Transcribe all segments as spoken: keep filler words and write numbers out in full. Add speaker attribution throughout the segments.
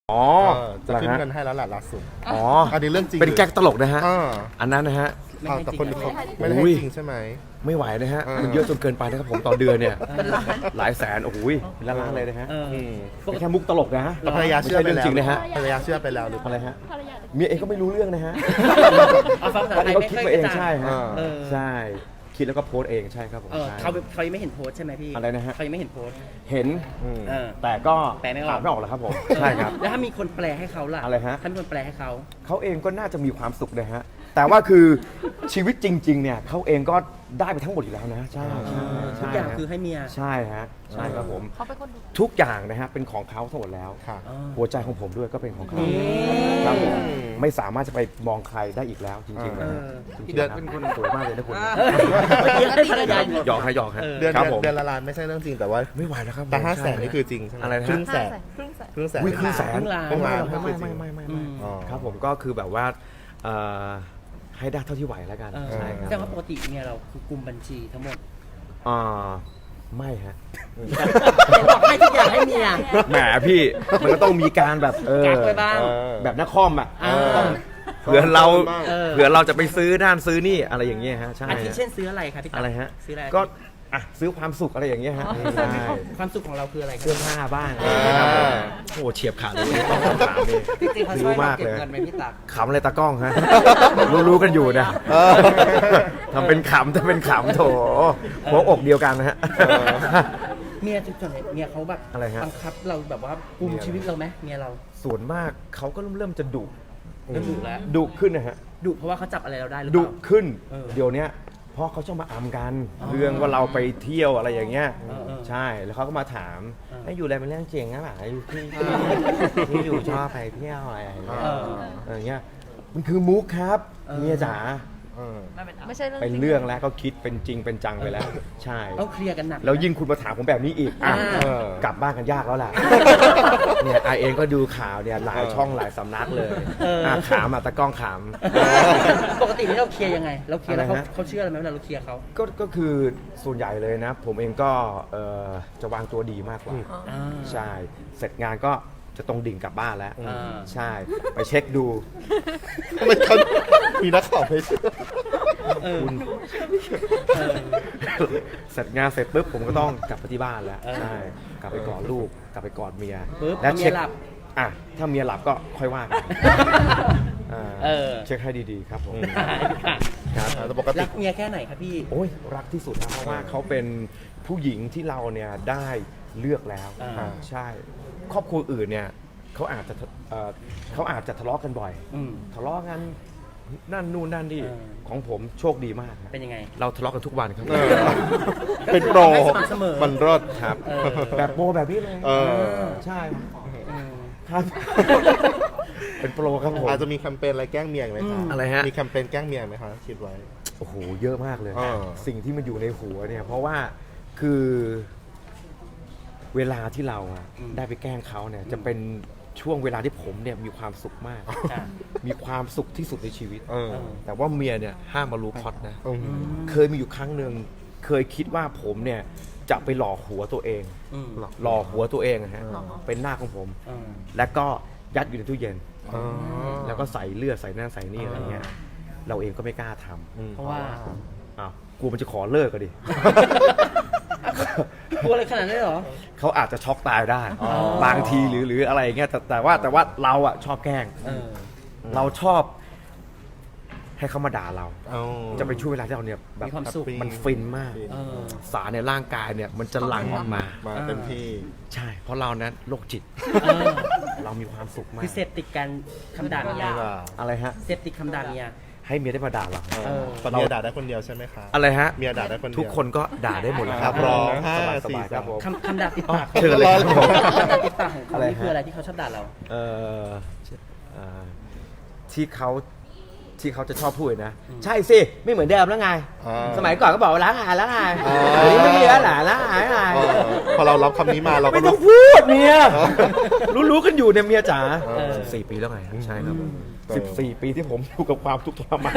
Speaker 1: อ๋อ
Speaker 2: เออจะขึ้นเงินให้แล้วแหละล่าสุด
Speaker 1: อ๋อ
Speaker 2: อันนี้เรื่องจริง
Speaker 1: เป็นแก๊กตลกนะฮะ
Speaker 2: อ่า
Speaker 1: อันนั้นนะฮะ
Speaker 2: เอาแต่คนเขาไม่ได้
Speaker 1: อุ้
Speaker 2: ให้
Speaker 1: ย
Speaker 2: จริงใช่ไหม
Speaker 1: ไม่ไหวนะฮะ
Speaker 2: เออ
Speaker 1: มันเยอะจนเกินไปนะครับผมต่อเดือนเนี่ย หลายแสน โอ้โหเป็นล้านๆเลยนะฮะ
Speaker 3: เออ
Speaker 2: ม
Speaker 1: เป็นแค่มุกตลกนะฮะ
Speaker 2: แต่ภรรยาเชื่อไป
Speaker 1: ไม่ใช่เรื่อง
Speaker 2: แล้ว
Speaker 1: จริงนะฮะ
Speaker 2: ภรรยาเชื่อไปแล้วหรือเป
Speaker 1: อะไร
Speaker 2: ล่า
Speaker 1: ฮะ เมียเองก็ไม่รู้เรื่องนะฮะ
Speaker 3: เอาฟังภาษา
Speaker 1: อัน
Speaker 3: ไท
Speaker 1: นี้
Speaker 3: ย
Speaker 1: เขา
Speaker 3: ไม่
Speaker 1: คิด
Speaker 3: ค่อย
Speaker 1: มาเอง
Speaker 3: กระจ่าง
Speaker 1: ใช่ฮะ
Speaker 3: เออ
Speaker 1: ใช่ คิดแล้วก็โพสต์เองใช่ครับผม
Speaker 3: เออ
Speaker 1: ใช่
Speaker 3: เขาเขายังไม่เห็นโพสต์ใช่ไหมพี่
Speaker 1: อะไรนะฮะ
Speaker 3: เขายังไม่เห็นโพสต์
Speaker 1: เห็น
Speaker 2: อืม
Speaker 3: เออ
Speaker 1: แต่ก็
Speaker 3: แปลไม่ออก
Speaker 1: ถามไม่ออกหรอกครับผม ใช่ครับ
Speaker 3: แล้วถ้ามีคนแปลให้เขาล่ะ
Speaker 1: อะไรฮะ
Speaker 3: ถ้ามีคนแปลให้เขา
Speaker 1: เขาเองก็น่าจะมีความสุขนะฮะ แต่ว่าคือชีวิตจริง ๆ เนี่ยเขาเองก็ได้ไปทั้งหมดอยู่แล้วนะ ใช่ใช่
Speaker 3: ทุก
Speaker 1: ใช่
Speaker 3: อย่าง
Speaker 1: ฮะ
Speaker 3: คือให้เมีย
Speaker 1: ใช่ฮะ ใช่ครับผม
Speaker 4: เขาเป็นคนดู
Speaker 1: ทุกอย่างนะฮะเป็นของเขาทั้งหมดแล้ว
Speaker 2: ค่ะ
Speaker 3: อ๋อ
Speaker 1: หัวใจของผมด้วยก็เป็นของเขา
Speaker 3: อืม
Speaker 1: ครับผมไม่สามารถจะไปมองใครได้อีกแล้วจริงๆนะฮะ
Speaker 3: เออ
Speaker 1: จริงๆนะเป็นคนสวยมากเลยนะคุณ
Speaker 3: เมื่อกี้ให้ภรรยาอยู่
Speaker 1: หยอกฮะหยอกฮะ
Speaker 3: เออ
Speaker 2: เดือน
Speaker 1: ครับ
Speaker 2: เดือน
Speaker 1: ผม
Speaker 2: เดือนละล้านไม่ใช่เรื่องจริงแต่ว่า
Speaker 1: ไม่ไหวแล้วครับผม
Speaker 2: แต่ห้าแสน
Speaker 1: ใช่
Speaker 2: นี่คือจริงใช่ไหม
Speaker 1: อะไรนะ
Speaker 2: ครึ่งแสน
Speaker 4: ครึ่งแสน
Speaker 2: ครึ่งแสน
Speaker 1: วิ่งครึ่งแสน
Speaker 3: ครึ่งล้าน
Speaker 2: ครึ่งล้าน
Speaker 1: ไม่
Speaker 2: ไม่
Speaker 1: ไม่
Speaker 2: ไม่
Speaker 1: ไม่ไม่
Speaker 3: อื
Speaker 1: ไม่
Speaker 3: ม
Speaker 2: อ๋อ
Speaker 1: ครับผมก็คือแบบว่าเอ่อให้ได้เท่าที่ไหวแล้วกัน
Speaker 3: เออ
Speaker 1: ใช่ค
Speaker 3: แสด
Speaker 1: รั
Speaker 3: ง
Speaker 1: บ
Speaker 3: ว่าปกติเมียเราคือกลุ่มบัญชีทั้งหมด
Speaker 1: อ่าไม่ฮะ
Speaker 3: เห็นบอกให้ทุกอย่างให้เมีย
Speaker 1: แหมพี่มันก็ต้องมีการแบบเออ
Speaker 3: กักไว้บ้าง
Speaker 2: เออ
Speaker 1: แบบนักคอมอ่ะ
Speaker 3: อ่า
Speaker 1: ต้องเผื่อเรา
Speaker 3: เออ
Speaker 1: เผื่อเราจะไปซื้อด้านซื้อนี่อะไรอย่างเงี้ยฮะใช่
Speaker 3: อาทิเช่นซื้ออะไรครับพี่ตั๊ก
Speaker 1: อะไรฮะ
Speaker 3: ซื้ออะไร
Speaker 1: ก็อ่ะซื้อความสุขอะไรอย่างเงี้ยฮะใช่
Speaker 3: ความสุขของเราคืออะไรครั
Speaker 1: เสื้อบ ผ้าบ้าง
Speaker 2: อ่า
Speaker 1: นะครับผมโอ้โหเฉียบขาดเลยต้องคำถามนี่
Speaker 5: จริงๆเขาช่วยเราเก็บเงินไหมพี่ตั๊ก
Speaker 1: ขำอะไรตากล้องฮะ รู้ๆกันอยู่นะ
Speaker 2: เออ
Speaker 1: ทำเป็นขำทำเป็นขำโถหัวอกเดียวกันนะฮะ
Speaker 3: เมียจุดไหนเมียเขาแบบ
Speaker 1: อะไรฮะ
Speaker 3: บังคับเราแบบว่ากุมชีวิตเราไหมเมียเรา
Speaker 1: ส่วนมากเขาก็เริ่มเริ่มจะดุ
Speaker 3: เริ่มดุแล้ว
Speaker 1: ดุขึ้นนะฮะ
Speaker 3: ดุเพราะว่าเขาจับอะไรเราได้หรือเป
Speaker 1: ดุ
Speaker 3: ล่า
Speaker 1: ขึ้น
Speaker 3: เออ
Speaker 1: เดี๋ยวเนี้ยเพราะเขาชอบมาอำกัน
Speaker 3: อ๋อ
Speaker 1: เรื่องว่าเราไปเที่ยวอะไรอย่างเงี้ย
Speaker 3: เออเออ
Speaker 1: ใช่แล้วเขาก็มาถาม
Speaker 3: เออ
Speaker 1: ให้อยู่อะไรเป็นเรื่องจริงนะหล่ะอยู่ที่ที่อยู่ชอบไปเที่ยวอะไรอย่างเงี้ย
Speaker 3: เออ
Speaker 1: เอออย่างเงี้ยมันคือมุกครับ
Speaker 3: เออ
Speaker 1: เมียจ๋า
Speaker 2: เออ
Speaker 4: ไม่ใช่เรื่อง
Speaker 1: เป็น
Speaker 4: จริง
Speaker 1: เรื่องแล้วก็คิดเป็นจริงเป็นจังไปแล้ว ใช่
Speaker 3: ต้องเคลียร์กันหนัก
Speaker 1: แล้วยิ่งคุณมาถามผมแบบนี้อีกอ่ะ
Speaker 3: อ่า
Speaker 1: เออกลับบ้านกันยากแล้วล่ะ เนี่ยไอเองก็ดูข่าวเนี่ยหลายช่องหลายสำนักเลย
Speaker 3: เอออ่
Speaker 1: ะขามอ่ะตะกล้องขาม
Speaker 3: ปกตินี่เราเคลียร์ยังไง เราเคลียร์แล้วเขา
Speaker 1: อะไรฮะ
Speaker 3: เขาเชื่อเราไหมเวลาเราเคลียร์เขา
Speaker 1: ก็ก็คือส่วนใหญ่เลยนะ ผมเองก็เอ่อจะวางตัวดีมากกว่า
Speaker 3: อ่า
Speaker 1: ใช่ เสร็จงานก็จะตรงดิ่งกลับบ้านแล้ว
Speaker 3: อ่า
Speaker 1: ใช่ ไปเช็คดู
Speaker 2: ไม่เขามีนักข่าวไม่เชื่อ
Speaker 3: เออ
Speaker 1: คุณ
Speaker 3: เออ
Speaker 1: เสร็จงานเสร็จปุ๊บผมก็ต้องกลับไปที่บ้านแล้ว
Speaker 3: เออ
Speaker 1: ใช่ กลับไปกอดลูก กลับไปกอดเมีย
Speaker 3: ปุ๊บ
Speaker 1: และ
Speaker 3: เมีย
Speaker 1: เช็ค
Speaker 3: หลับ
Speaker 1: อ่ะถ้าเมียหลับก็ค่อยว่ากันอ่า
Speaker 3: เออ
Speaker 1: เช็คให้ดีๆครับผม
Speaker 3: ค่ะ
Speaker 1: ครับ
Speaker 2: แต่ปกติ
Speaker 3: รักเมียแค่ไหนครับพี่
Speaker 1: โอ้ยรักที่สุดนะเพราะว่าเขาเป็นผู้หญิงที่เราเนี่ยได้เลือกแล้ว
Speaker 3: อ่า
Speaker 1: ใช่ ครอบครัวอื่นเนี่ยเขาอาจจะเอ่อเขาอาจจะทะเลาะกันบ่อย
Speaker 3: อืม
Speaker 1: ทะเลาะกันนั่นนู่นนั่นนี่
Speaker 3: เออ
Speaker 1: ของผมโชคดีมากครับ
Speaker 3: เป็นยังไง
Speaker 1: เราทะเลาะกันทุกวันครับ
Speaker 2: เออ เป็นโปร
Speaker 3: ให้สม่ำเสมอ
Speaker 2: มันรอด
Speaker 1: ครับ
Speaker 3: เออ
Speaker 1: แบบโปรแบบนี้เลย
Speaker 2: เออ
Speaker 1: ใช่
Speaker 3: อืม
Speaker 1: ครับ เป็นโปรครับผม
Speaker 2: อาจจะมีแคมเปญอะไรแกล้งเมียอีกไหมคะ
Speaker 1: อะไรฮะ
Speaker 2: มีแคมเปญแกล้งเมียไหมคะคิดไว้
Speaker 1: โอ้โหเยอะมากเลย
Speaker 2: เออ
Speaker 1: สิ่งที่มันอยู่ในหัวเนี่ย เพราะว่าคือเวลาที่เราอะ
Speaker 3: อืม
Speaker 1: ได้ไปแกล้งเขาเนี่ย จะเป็นช่วงเวลาที่ผมเนี่ยมีความสุขมาก
Speaker 3: อ่ะ
Speaker 1: มีความสุขที่สุดในชีวิต
Speaker 2: เออ
Speaker 1: แต่ว่าเมียเนี่ยห้ามมารู้พล็อตนะ
Speaker 2: อืม
Speaker 1: เคยมีอยู่ครั้งหนึ่งเคยคิดว่าผมเนี่ยจะไปหล่อหัวตัวเอง
Speaker 3: อืม
Speaker 1: หล่อหัวตัวเองอะฮะ
Speaker 2: อ๋อ
Speaker 1: เป็นหน้าของผม
Speaker 3: อืม
Speaker 1: แล้วก็ยัดอยู่ในตู้เย็น
Speaker 2: อ๋อ
Speaker 1: แล้วก็ใส่เลือดใส่นั่นใส่นี่อะไรเงี้ย เราเองก็ไม่กล้าทำ
Speaker 2: อืม
Speaker 3: เพราะว่า
Speaker 1: อ้าวกลัวมันจะขอเลิกก็ดิ
Speaker 3: กลัวอะไรขนาดนั้นเหรอ
Speaker 1: เขาอาจจะช็อกตายได้
Speaker 3: อ๋อ
Speaker 1: บางทีหรือหรืออะไรอย่างเงี้ยแต่แต่ว่าแต่ว่าเราอะชอบแกล้ง
Speaker 3: เออ
Speaker 1: เราชอบให้เขามาด่าเรา
Speaker 2: เอา
Speaker 1: จะไปช่วยเวลาที่เราเนี่ยแบบ
Speaker 3: มีความสุข
Speaker 1: มันฟินมาก
Speaker 3: เออ
Speaker 1: สารในร่างกายเนี่ยมันจะหลั่งออกมา
Speaker 2: มาเต็มที่
Speaker 1: ใช่ เพราะเรานั้นโรคจิต
Speaker 3: เออ
Speaker 1: เรามีความสุขมาก
Speaker 3: คือเสพติดการคำด่าเมีย
Speaker 2: ไม่ว่า
Speaker 1: อะไรฮะ
Speaker 3: เสพติดคำด่าเมีย
Speaker 1: ให้เมียได้มาด่าเรา
Speaker 3: เออ
Speaker 2: แต่เมียด่าได้คนเดียวใช่ไหมคะ
Speaker 1: อะไรฮะ
Speaker 2: เมียด่าได้คนเดียว
Speaker 1: ทุกคนก็ด่าได้หมดเลยค
Speaker 2: ครั
Speaker 1: รับบ
Speaker 2: พร้อม
Speaker 1: ส
Speaker 2: ห้า
Speaker 1: บายส
Speaker 2: สี่
Speaker 1: บายครับ
Speaker 2: สาม
Speaker 1: ผม
Speaker 3: คำคำด่าติดปาก
Speaker 1: เชิญเลยครับผม
Speaker 3: คำด่าติดปากของเขา
Speaker 1: อะไร
Speaker 3: นี่
Speaker 1: ฮะ
Speaker 3: คืออะไรที่เขาชอบด่าเรา
Speaker 1: เอ่อเอ่อที่เขาที่เขาจะชอบพูดนะ ใช่สิ ไม่เหมือนเดิมแล้วไง
Speaker 2: อ่า
Speaker 1: สมัยก่อนก็บอกว่าล้างอายล้างอาย
Speaker 2: อ่า
Speaker 1: เดี๋ยวนี้ไม่มีแล้วหล่ะล้างอายล้างอาย
Speaker 2: เออพอเรารับคำนี้มาเราก็
Speaker 1: ไม่ต้
Speaker 2: รู้
Speaker 1: องพูดเมียรู้รู้ๆกันอยู่เนี่ยเมียจ๋า
Speaker 2: เออ
Speaker 1: สี่ปีแล้วไงใช่ครับ
Speaker 3: อืม
Speaker 1: สิบสี่ปีที่ผมอยู่กับความทุกข์ทรมาน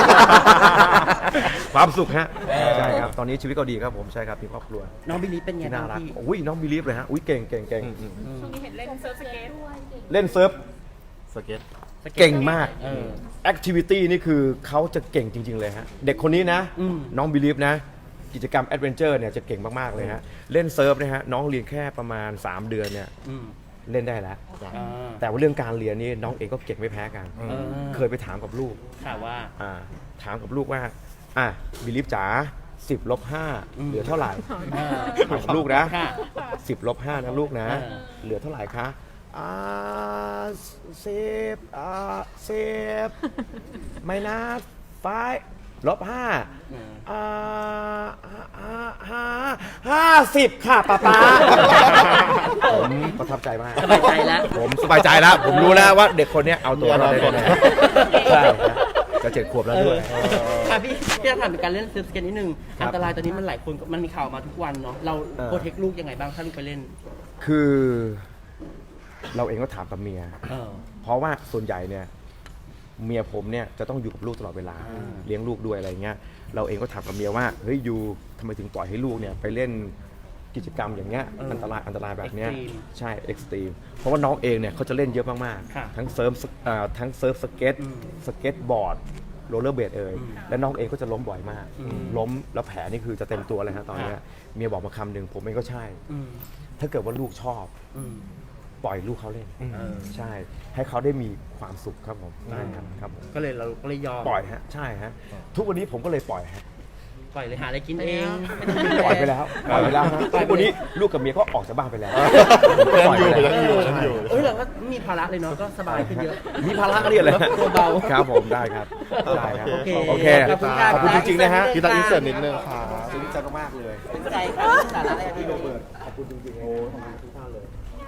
Speaker 1: ความสุขฮะใช่ครับตอนนี้ชีวิตก็ดีครับผมใช่ครับมีครอบครัว
Speaker 3: น้องบิลลี่เป็นไง
Speaker 1: ที่
Speaker 3: บ้า
Speaker 1: น่าง รัก
Speaker 3: พี่
Speaker 1: อุ้ยน้องบิลีฟเลยฮะอุ้ยเก่งเก่งเก่ง
Speaker 4: ช่วงนี้เห็นเล่นเซิร์ฟสเก็ต
Speaker 1: เล่นเซิร์ฟ
Speaker 2: สเก็ต
Speaker 1: เก่งมาก
Speaker 3: เออ
Speaker 1: แอคทิวิตี้นี่คือเขาจะเก่งจริง ๆ เลยฮะ เด็กคนนี้นะ
Speaker 3: อืม
Speaker 1: น้องบิลีฟนะ กิจกรรมแอดเวนเจอร์เนี่ยจะเก่งมาก ๆ เลยฮะ เล่นเซิร์ฟเนี่ยฮะ น้องเรียนแค่ประมาณ สาม เดือนเนี่ย
Speaker 3: อืม
Speaker 1: เล่นได้แล้ว
Speaker 3: อ่า
Speaker 1: แต่ว่าเรื่องการเรียนนี่น้องเองก็เก่งไม่แพ้กัน
Speaker 3: เออ
Speaker 1: เคยไปถามกับลูก
Speaker 3: ค่ะว่า
Speaker 1: อ่าถามกับลูกว่า อ่ะบิลีฟจ๋าสิบลบห้า
Speaker 3: อืม
Speaker 1: เหลือเท่าไหร่
Speaker 3: เออ
Speaker 1: ถามกับลูกนะ
Speaker 3: ค่ะ
Speaker 1: สิบลบห้านะลูกนะ
Speaker 3: เออ
Speaker 1: เหลือเท่าไหร่คะอ่าสิบอ่าสิบไม่นะไฟลบห้า
Speaker 3: อืม
Speaker 1: อ่าห้าห้าห้าสิบค่ะป้าป๊าผมประทับใจมาก
Speaker 3: สบายใจแล้ว
Speaker 1: ผมสบายใจแล้ว ผมรู้แล้วว่าเด็กคนเนี้ยเอาตัวรอดได้
Speaker 2: มีอนาคต
Speaker 1: แน่ๆใช่ครับจะเจ็ดขวบแล้วด้วย
Speaker 3: ค่ะพี่พี่จะถามถึงการเล่นเซิร์ฟสเก็ตนิดนึง
Speaker 1: ครับ
Speaker 3: อันตรายตอนนี้มันหลายคนมันมีข่าวมาทุกวันเนาะเรา
Speaker 1: เออ
Speaker 3: โปรเทคลูกยังไงบ้างถ้าลูกไปเล่น
Speaker 1: คือเราเองก็ถามกับเมีย
Speaker 3: เออ
Speaker 1: เพราะว่าส่วนใหญ่เนี่ยเมียผมเนี่ยจะต้องอยู่กับลูกตลอดเวลา
Speaker 3: อ่า
Speaker 1: เลี้ยงลูกด้วยอะไรเงี้ยเราเองก็ถามกับเมียว่าเฮ้ยยูทำไมถึงปล่อยให้ลูกเนี่ยไปเล่นกิจกรรมอย่างเงี้ยอันตรายอันตรายแบบเนี้ยใช่เอ็กซ์ตรีมเพราะว่าน้องเองเนี่ยเขาจะเล่นเยอะมาก
Speaker 3: ค่ะ
Speaker 1: ๆทั้งเซิร์ฟสอ่าทั้งเซิร์ฟสเก็ต
Speaker 3: อืม
Speaker 1: สเก็ตบอร์ดโรลเลอร์เบดเอ่ย
Speaker 3: อืม
Speaker 1: และน้องเองก็จะล้มบ่อยมาก
Speaker 3: อืม
Speaker 1: ล้มแล้วแผลนี่คือจะเต็มตัวเลยฮะตอนเนี้ย
Speaker 3: ค่ะ
Speaker 1: เมียบอกมาคำหนึ่งผมเองก็ใช่
Speaker 3: อืม
Speaker 1: ถ้าเกิดว่าลูกชอบ
Speaker 3: อืม
Speaker 1: ปล่อยลูกเขาเล่น
Speaker 3: เออ
Speaker 1: ใช่ ให้เขาได้มีความสุขครับผมใช่ครับครับผม
Speaker 3: ก็เลยเราก็เลยยอม
Speaker 1: ปล่อยฮะใช่ฮะทุกวันนี้ผมก็เลยปล่อยฮะ
Speaker 3: ปล่อยเลยหาอะไรกินเอง
Speaker 1: ปล่อยไปแล้วปล่อยไปแล้วฮะ
Speaker 3: ปล่อย
Speaker 1: ทุก
Speaker 3: ไป
Speaker 1: วันนี้ลูกกับเมียก็ออกจากบ้านไปแล้ว
Speaker 2: ยังอยู่
Speaker 1: ปล่
Speaker 2: ยังอยู่
Speaker 1: ไป
Speaker 2: ยัง
Speaker 1: แล้ว
Speaker 2: อยู่
Speaker 3: เอ้ยเราก็มีภาระเลยเนาะก็สบายขึ้นเยอะ
Speaker 1: มีภาระเนี่ยเลย
Speaker 3: ตัวเบา
Speaker 1: ครับผมได้ครับได้ครับ
Speaker 3: โอเค
Speaker 1: โอเค
Speaker 3: ขอบคุณครับ
Speaker 1: ขอบคุณจริงๆนะฮะ
Speaker 2: พี่ตั๊กอินเสิร์ตนิดนึงค่ะ
Speaker 1: ซึ้งใจมากๆเลย
Speaker 3: เป็นใจค่ะสาระอะไรอะพี่โรเบิร์ต
Speaker 1: ขอบคุณจริงๆโอ้